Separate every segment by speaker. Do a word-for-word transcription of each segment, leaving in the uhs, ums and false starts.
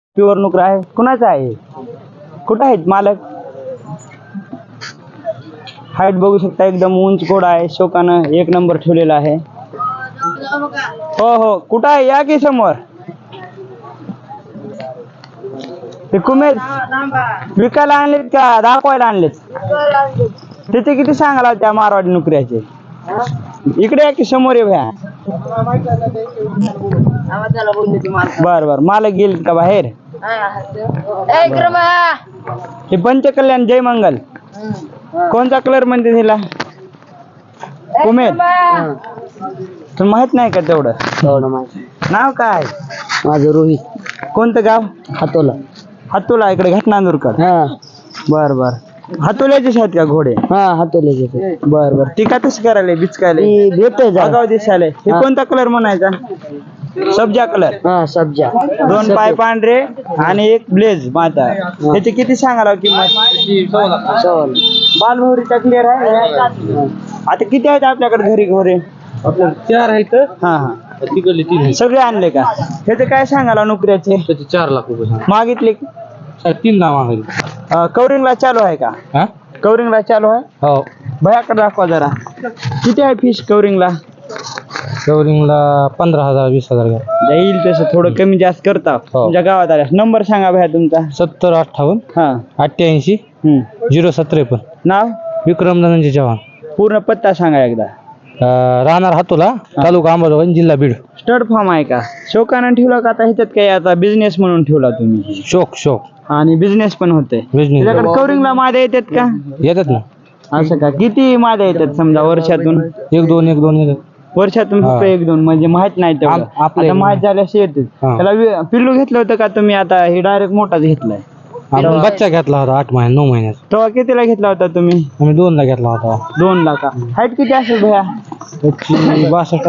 Speaker 1: Pure नुकरा आहे. कुणाचा आहे? कुठं आहेत मालक? हाईट बघू शकता, एकदम उंच घोडा आहे. शोकानं एक नंबर ठेवलेला आहे. हो हो, कुठं आहे? या की समोर. ते कुमेर विकायला आणलेत का दाखवायला आणलेत? त्याचे किती सांगायला त्या मारवाडी नुकऱ्याचे? इकडे या की समोर ये भ्या. बर बर, मालक गेले का बाहेर? हे पंचकल्याण जय मंगल कोणता कलर म्हणते तिला? कुमेर. तुला माहित नाही का तेवढं? नाव काय?
Speaker 2: माझं रोहित.
Speaker 1: कोणतं गाव?
Speaker 2: हातोला.
Speaker 1: हातोला, इकडे घटनांदूरकर.
Speaker 2: हा
Speaker 1: बर बर, हातोल्याचेच आहेत का घोडे?
Speaker 2: हा हातोले.
Speaker 1: बर बर, ती का तशी करायला बिचकायला
Speaker 2: भेटतोय
Speaker 1: गाव दिसायला? हे कोणता कलर म्हणायचा? सब्जा कलर.
Speaker 2: हा सब्जा.
Speaker 1: दोन पाय पांढरे आणि एक ब्लेज माता. ह्याची किती सांगायला किंमत? बालभौरीचा क्लिअर आहे. आता किती आहेत आपल्याकडे घरी घोडे?
Speaker 2: आपल्याला चार आहेत.
Speaker 1: हा हा,
Speaker 2: तिकडले तीन.
Speaker 1: सगळे आणले का? ह्याचे काय सांगायला नुकऱ्याचे?
Speaker 2: त्याचे चार लाख रुपये
Speaker 1: मागितले?
Speaker 2: तीन लाख मागितले.
Speaker 1: कवरिंगला चालू आहे का?
Speaker 2: हा
Speaker 1: कवरिंगला चालू आहे.
Speaker 2: हो.
Speaker 1: भयाकडे दाखवा जरा. किती आहे फिश कवरिंगला?
Speaker 2: कवरिंगला पंधरा हजार वीस हजार घ्या.
Speaker 1: येईल तसं थोडं कमी जास्त करता. तुमच्या गावात आल्या नंबर सांगा भया तुमचा.
Speaker 2: सत्तर अठ्ठावन्न
Speaker 1: हा
Speaker 2: अठ्ठ्याऐंशी झिरो सत्रेपन्न.
Speaker 1: नाव?
Speaker 2: विक्रम धनंजय चव्हाण.
Speaker 1: पूर्ण पत्ता सांगा एकदा.
Speaker 2: राहणार हातोला, तालुका अंबाजोगाई, जिल्हा बीड.
Speaker 1: स्टड फार्म आहे का? शोकानं ठेवला का आता ह्याच्यात काय आता बिझनेस म्हणून ठेवला तुम्ही?
Speaker 2: शोक शोक
Speaker 1: आणि बिझनेस पण होते.
Speaker 2: बिझनेस
Speaker 1: त्याच्याकडे कवरिंगला मादे येतात का?
Speaker 2: येतात ना.
Speaker 1: असं का? किती मादे येतात समजा वर्षातून?
Speaker 2: एक दोन एक दोन येतात
Speaker 1: वर्षातून फक्त एक दोन, म्हणजे माहित नाही तेवढं. आता माहित झाल्याशी येते. त्याला वि- पिल्लू घेतलं होतं का तुम्ही? आता हे डायरेक्ट मोठाच घेतलाय.
Speaker 2: आपण बच्चा घेतला होता आठ महिने नऊ महिन्यात.
Speaker 1: तेव्हा कितीला घेतला होता तुम्ही?
Speaker 2: आम्ही दोनला घेतला होता.
Speaker 1: दोन लाख. हाईट किती असेल भया?
Speaker 2: त्याची बासष्ट.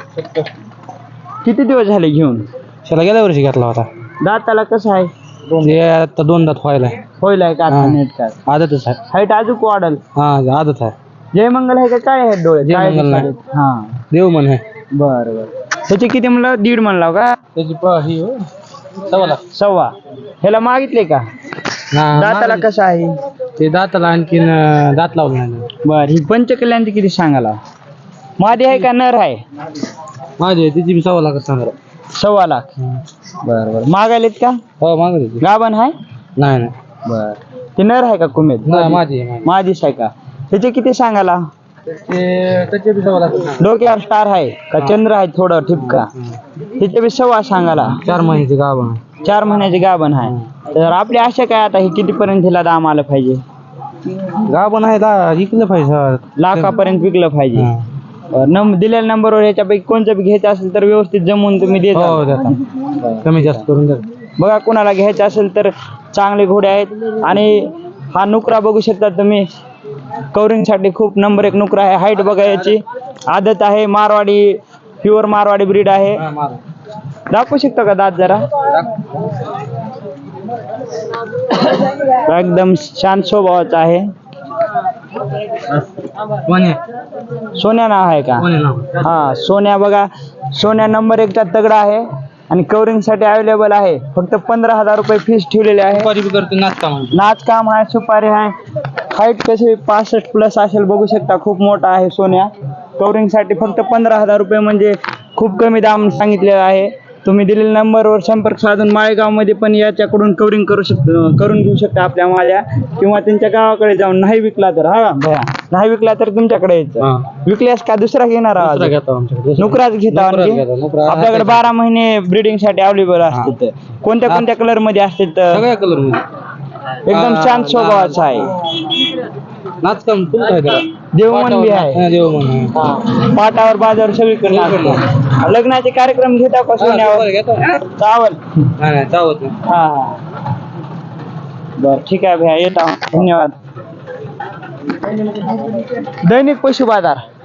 Speaker 1: किती दिवस झाले घेऊन?
Speaker 2: त्याला गेल्या वर्षी घेतला होता.
Speaker 1: दाताला कसं आहे?
Speaker 2: ते आता दोन दात व्हायला
Speaker 1: होईल आहे का आता?
Speaker 2: हा.
Speaker 1: नेट काय
Speaker 2: आदतच आहे.
Speaker 1: हाईट अजून वाढल.
Speaker 2: हा आदत आहे.
Speaker 1: जय मंगल आहे का? काय आहेत डोळे?
Speaker 2: जय
Speaker 1: काय
Speaker 2: मंगल नाही.
Speaker 1: दिसतात? हा
Speaker 2: देव म्हण आहे.
Speaker 1: बर बर. त्याचे किती म्हणलं? दीड म्हणला का?
Speaker 2: त्याची प ही हो, सव्वा लाख.
Speaker 1: सव्वा. ह्याला मागितले का? दाताला कसं आहे?
Speaker 2: ते दाताला आणखीन अं, दात लावलं नाही.
Speaker 1: बर. ही पंचकल्याणची किती सांगाला? मादी आहे का नर आहे?
Speaker 2: माझे तिची बी सव्वा लाख सांगा.
Speaker 1: सव्वा लाख. बर बर. मागायलेत का?
Speaker 2: हो मागत
Speaker 1: गाभण आहे?
Speaker 2: नाही नाही
Speaker 1: बर. ते नर आहे का कुमेद?
Speaker 2: नाही माझी आहे, माझी.
Speaker 1: माझीच आहे का? त्याचे किती सांगाला?
Speaker 2: ते त्याचे बी सव्वा लाख सांगा.
Speaker 1: डोक्यावर स्टार आहे का? चंद्र आहे थोडं ठिपका? त्याचे बी सव्वा सांगाला.
Speaker 2: चार महिन्याचे गाव आहे.
Speaker 1: चार महिन्याचे गाभण आहे. तर आपली आशा काय आता? हे कितीपर्यंत हिला दाम आलं पाहिजे?
Speaker 2: गाव आहे दा इकलं पाहिजे.
Speaker 1: लाखापर्यंत विकलं पाहिजे.
Speaker 2: हा.
Speaker 1: नंबर दिलेल्या नंबरवर याच्यापैकी कोणतं बी घ्यायचं असेल तर व्यवस्थित जमवून तुम्ही देता.
Speaker 2: हो देता. कमी जास्त करून द्या.
Speaker 1: बघा, कोणाला घ्यायचं असेल तर चांगले घोडे आहेत. आणि हा नुकरा बघू शकता तुम्ही. कवरिंगसाठी खूप नंबर एक नुकरा आहे. हाईट बघा याची. आदत आहे. मारवाडी, प्युअर मारवाडी ब्रीड आहे. दाखवू शकता का दात जरा? एकदम शांत स्वभावाचा आहे. सोन्या नाव आहे का? हा सोन्या. बघा, सोन्या नंबर एकचा तगडा आहे आणि कवरिंग साठी अवेलेबल आहे. फक्त पंधरा हजार रुपये फीस ठेवलेले आहे. नाच काम आहे, सुपारी आहे. हाईट कशी पासष्ट प्लस असेल बघू शकता. खूप मोठा आहे सोन्या. कवरिंग साठी फक्त पंधरा हजार रुपये म्हणजे खूप कमी दाम सांगितलेला आहे. तुम्ही दिलेल्या नंबरवर संपर्क साधून माळेगाव मध्ये पण याच्याकडून कवरिंग करू शकता, करून घेऊ शकता आपल्या माल्या. किंवा त्यांच्या गावाकडे जाऊन नाही विकला तर हा भया नाही विकला तर तुमच्याकडे यायचं. विकल्यास का दुसरा घेणार आहात? नुकराच घेता. आपल्याकडे बारा महिने ब्रीडिंग साठी अवेलेबल असते. कोणत्या कोणत्या कलर मध्ये असते?
Speaker 2: सगळ्या कलर मध्ये.
Speaker 1: एकदम शांत स्वभावाचा आहे.
Speaker 2: नाचकाम
Speaker 1: देवमन बी आहे.
Speaker 2: देवमन
Speaker 1: पाटावर बाजार सगळीकडे नाचतो. लग्नाचे कार्यक्रम घेता का सोन्यावर? चावल.
Speaker 2: चावत
Speaker 1: हा हा. बर ठीक आहे भैया, येत आहोत. धन्यवाद. दैनिक पशु बाजार.